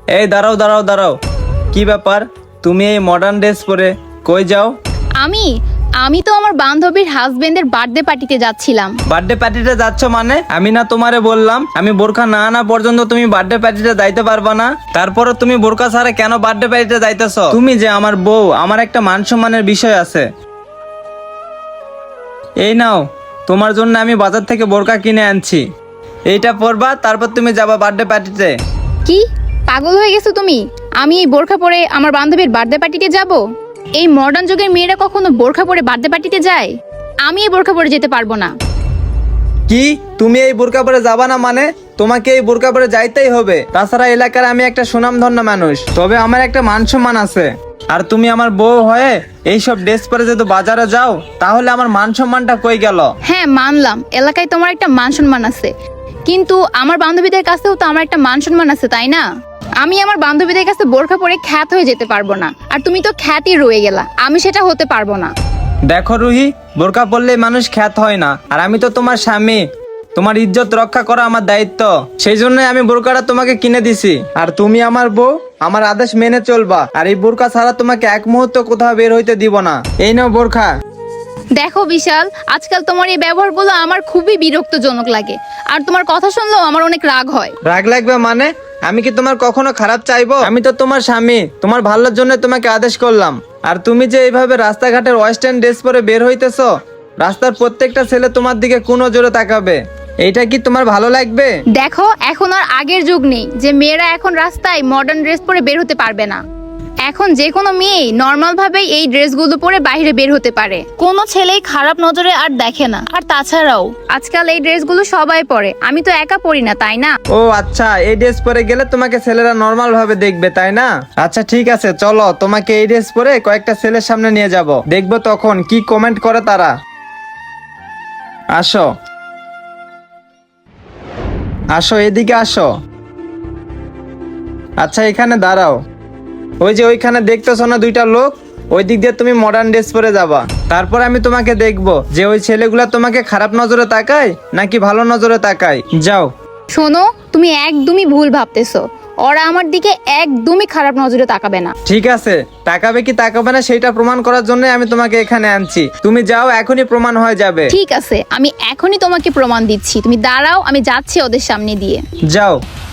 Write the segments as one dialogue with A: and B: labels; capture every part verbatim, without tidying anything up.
A: এই দাঁড়াও দাঁড়াও দাঁড়াও, কি ব্যাপার? তুমি এই মডার্ন ড্রেস পরে কই যাও?
B: আমি আমি তো আমার বান্ধবীর হাজবেন্ডের বার্থডে পার্টিতে যাচ্ছিলাম।
A: বার্থডে পার্টিতে যাচ্ছ মানে? আমি না তোমারে বললাম আমি বোরখা না আনা পর্যন্ত তুমি বার্থডে পার্টিতে যাইতে পারবা না? তারপরে তুমি বোরখা ছাড়া কেন বার্থডে পার্টিতে যাইতেছ? তুমি যে আমার বউ, আমার একটা মান সম্মানের বিষয় আছে। এই নাও, তোমার জন্য আমি বাজার থেকে বোরখা কিনে আনছি। এইটা পরবা, তারপর তুমি যাবা বার্থডে পার্টিতে।
B: কি পাগল হয়ে গেছো তুমি? আমি এই বোরখা পরে আমার বান্ধবীর বার্থডে পার্টিতে যাব? এই মডার্ন যুগের মেয়েরা কখনো বোরখা পরে বার্থডে পার্টিতে যায়? আমি এই বোরখা পরে যেতে পারবো না।
A: কি তুমি এই বোরকা পরে যাবা না মানে? তোমাকে এই বোরকা পরে যাইতেই হবে। তাছাড়া এলাকার আমি একটা সুনামধন্য মানুষ, তবে আমার একটা মান সম্মান আছে। আর তুমি আমার বউ হয়ে এইসব ড্রেস পরে যদি বাজারে যাও, তাহলে আমার মান সম্মানটা কই গেল?
B: হ্যাঁ মানলাম, এলাকায় তোমার একটা মান সম্মান আছে, কিন্তু আমার বান্ধবীদের কাছেও তো আমার একটা মান সম্মান আছে, তাই না? আমি আমার বান্ধবীদের কাছে বোরখা পরে খ্যাত হয়ে যেতে পারবো না, আর তুমি তো খ্যাতই রয়ে গেলা। আমি সেটা হতে পারবো না।
A: দেখো রুহি, বোরকা পরলে মানুষ খ্যাত হয় না, আর আমি তো তোমার স্বামী। তোমার ইজ্জত রক্ষা করা আমার দায়িত্ব, সেই জন্যই আমি বোরকাটা তোমাকে কিনে দিছি। আর তুমি আমার বউ, আমার আদেশ মেনে চলবা। আর এই বোরকা ছাড়া তোমাকে এক মুহূর্ত কোথাও বের হইতে দিব না। এই নাও বোরখা।
B: দেখো বিশাল, আজকাল তোমার এই ব্যবহারগুলো আমার খুবই বিরক্তজনক লাগে, আর তোমার কথা শুনলেও আমার অনেক রাগ হয়।
A: রাগ লাগবে মানে? আমি কি তোমার কখনো খারাপ চাইবো? আমি তো তোমার স্বামী, তোমার ভালোর জন্য তোমাকে আদেশ করলাম। আর তুমি যে এইভাবে রাস্তাঘাটের ওয়েস্টার্ন ড্রেস পরে বের হইতেছো, রাস্তার প্রত্যেকটা ছেলে তোমার দিকে কোন নজরে তাকাবে। এইটা কি তোমার ভালো লাগবে?
B: দেখো, এখন আর আগের যুগ নেই যে মেয়েরা এখন রাস্তায় মডার্ন ড্রেস পরে বের হতে পারবে না। এখন যে কোনো মেয়ে নর্মাল ভাবে এই ড্রেসগুলো পরে বাইরে বের হতে পারে, কোনো ছেলেই খারাপ নজরে আর দেখে না। আর তাছাড়াও আজকাল এই ড্রেসগুলো সবাই পরে, আমি তো একা পরি না, তাই না?
A: ও আচ্ছা, এই ড্রেস পরে গেলে তোমাকে ছেলেরা নর্মাল ভাবে দেখবে, তাই না? আচ্ছা ঠিক আছে, চলো তোমাকে এই ড্রেস পরে কয়েকটা ছেলের সামনে নিয়ে যাব, দেখবো তখন কি কমেন্ট করে তারা। আসো আসো, এদিকে আসো। আচ্ছা এখানে দাঁড়াও। ওই যে ওইখানে দেখতেছো না দুইটা লোক, ওই দিক দিয়ে তুমি মডার্ন ড্রেস পরে যাবা। তারপর আমি তোমাকে দেখবো যে ওই ছেলেগুলা তোমাকে খারাপ নজরে তাকায় নাকি ভালো নজরে তাকায়। যাও।
B: শোনো, তুমি একদমই ভুল ভাবতেছো। ওরা আমার দিকে একদমই খারাপ নজরে তাকাবে না।
A: ঠিক আছে, তাকাবে কি তাকাবে না সেটা প্রমাণ করার জন্য আমি তোমাকে এখানে আনছি। তুমি যাও, এখনই প্রমাণ হয়ে যাবে।
B: ঠিক আছে, আমি এখনই তোমাকে প্রমাণ দিচ্ছি। তুমি দাঁড়াও, আমি যাচ্ছি ওদের সামনে দিয়ে।
A: যাও।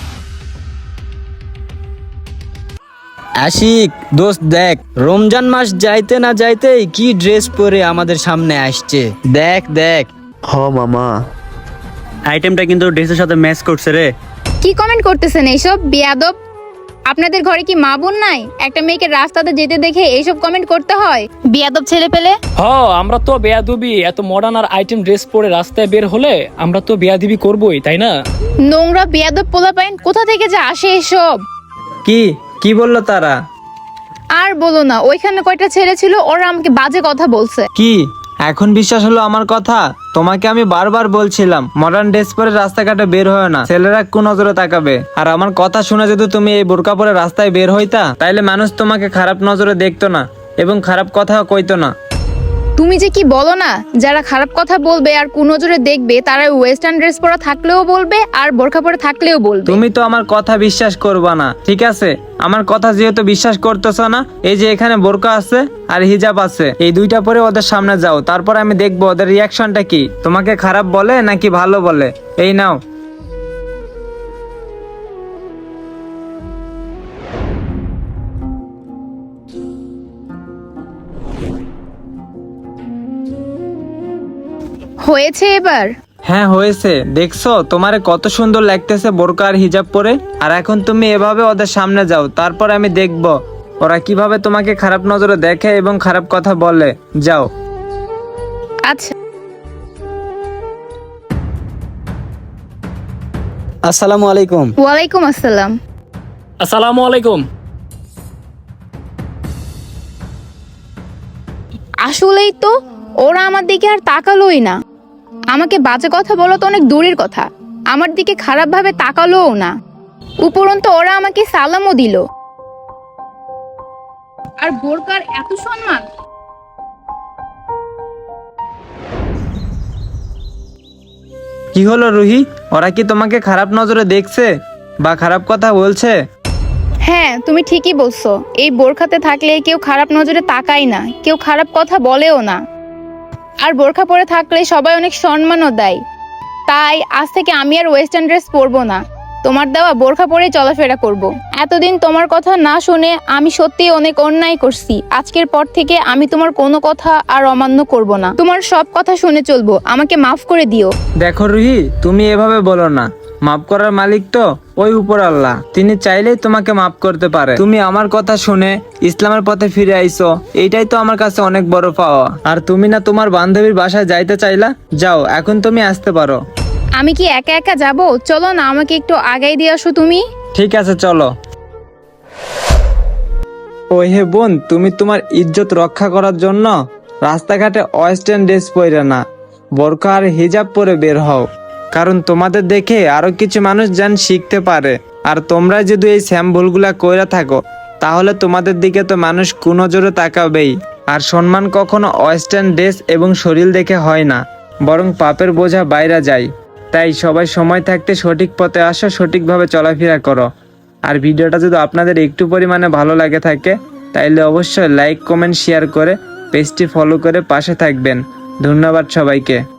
C: আশিক দোস্ত, দেখ রমজান মাস যাইতে না যাইতেই কি ড্রেস পরে আমাদের সামনে আসছে। দেখ দেখ।
D: হ মামা,
E: আইটেমটা কিন্তু ড্রেসের সাথে ম্যাচ করছে রে।
B: কি কমেন্ট করতেছেন এইসব বেয়াদব? আপনাদের ঘরে কি মা বোন নাই? একটা মেয়েকে রাস্তাতে যেতে দেখে এইসব কমেন্ট করতে হয়? বেয়াদব ছেলে পেলে।
F: হ, আমরা তো বেয়াদবি, এত মডার্ন আর আইটেম ড্রেস পরে রাস্তায় বের হলে আমরা তো বেয়াদবি করবোই, তাই না?
B: নোংরা বেয়াদব পোলাপাইন কোথা থেকে যে আসে এসব?
A: কি কি বললো তারা?
B: আর বলো না, ওইখানে কয়টা ছেলে ছিল, ওরা আমাকে বাজে কথা বলছে।
A: কি এখন বিশ্বাস হলো আমার কথা? তোমাকে আমি বারবার বলছিলাম মডার্ন ড্রেস পরে রাস্তাঘাটে বের হয় না, ছেলেরা কোন নজরে তাকাবে। আর আমার কথা শুনে যদি তুমি এই বোরকা পরে রাস্তায় বের হইতা, তাইলে মানুষ তোমাকে খারাপ নজরে দেখতো না এবং খারাপ কথাও কইতো না।
B: তুমি যে কি বলো না, যারা খারাপ কথা বলবে আর কুনজরে দেখবে, তারা ওয়েস্টার্ন ড্রেস পরা থাকলেও বলবে আর বোরখা পরে থাকলেও বলবে।
A: তুমি তো আমার কথা বিশ্বাস করবা না, ঠিক আছে? আমার কথা যেহেতু বিশ্বাস করতেছ না, এই যে এখানে বোরকা আছে আর হিজাব আছে, এই দুইটা পরে ওদের সামনে যাও। তারপর আমি দেখবো ওদের রিয়াকশনটা কি, তোমাকে খারাপ বলে নাকি ভালো বলে। এই নাও।
B: হয়েছে এবার?
A: হ্যাঁ হয়েছে। দেখছো তোমারে কত সুন্দর লাগতেছে বোরকা আর হিজাব পরে। আর এখন তুমি এভাবে ওদের সামনে যাও, তারপর আমি দেখব ওরা কিভাবে তোমাকে খারাপ নজরে দেখে এবং খারাপ কথা বলে। যাও।
B: আচ্ছা।
C: আসসালামু আলাইকুম।
B: ওয়ালাইকুম আসসালাম।
F: আসসালামু আলাইকুম।
B: আসলেই তো, ওরা আমার দিকে আর তাকালোই না। আমাকে বাজে কথা বলা তো অনেক দূরের কথা, আমার দিকে খারাপ ভাবে তাকালোও না। উপরন্তু ওরা আমাকে সালামও দিল। আর বোরকার এত সম্মান।
A: কি হলো রুহি, ওরা কি তোমাকে খারাপ নজরে দেখছে বা খারাপ কথা বলছে?
B: হ্যাঁ, তুমি ঠিকই বলছো। এই বোরখাতে থাকলে কেউ খারাপ নজরে তাকায় না, কেউ খারাপ কথা বলেও না। আর বোরখা পরে থাকলে সবাই অনেক সম্মানও দেয়। তাই আজ থেকে আমি আর ওয়েস্টার্ন ড্রেস পরবো না, তোমার দেওয়া বোরখা পরেই চলাফেরা করব। এতদিন তোমার কথা না শুনে আমি সত্যিই অনেক অন্যায় করছি। আজকের পর থেকে আমি তোমার কোনো কথা আর অমান্য করব না, তোমার সব কথা শুনে চলবো। আমাকে মাফ করে দিও।
A: দেখো রুহি, তুমি এভাবে বলো না। মাফ করার মালিক তো ওই উপর আল্লাহ, তিনি চাইলেই তোমাকে মাফ করতে পারে। তুমি আমার কথা শুনে ইসলামের পথে ফিরে আইছো, এইটাই তো আমার কাছে অনেক বড় পাওয়া। আর তুমি না তোমার বান্ধবীর বাসায় যাইতে চাইলা, যাও এখন তুমি আসতে পারো।
B: আমি কি একা একা যাব? চলো না, আমাকে একটু আগাই দিয়ে আসো তুমি।
A: ঠিক আছে চলো। ও হে বোন, তুমি তোমার ইজ্জত রক্ষা করার জন্য রাস্তাঘাটে ওয়েস্টার্ন ড্রেস পরে না, বোরকা আর হিজাব পরে বের হও। কারণ তোমাদের দেখে আরো কিছু মানুষ যেন শিখতে পারে। আর তোমরা যদি এই স্যাম ভুলগুলা কইরা থাকো, তাহলে তোমাদের দিকে তো মানুষ কুনজরে তাকাবেই। আর সম্মান কখনো ওয়েস্টার্ন ড্রেস এবং শরীর দেখে হয় না, বরং পাপের বোঝা বাইরে যায়। তাই সবাই সময় থাকতে সঠিক পথে আসো, সঠিকভাবে চলাফেরা করো। আর ভিডিওটা যদি আপনাদের একটু পরিমাণে ভালো লাগে থাকে, তাইলে অবশ্যই লাইক কমেন্ট শেয়ার করে পেজটি ফলো করে পাশে থাকবেন। ধন্যবাদ সবাইকে।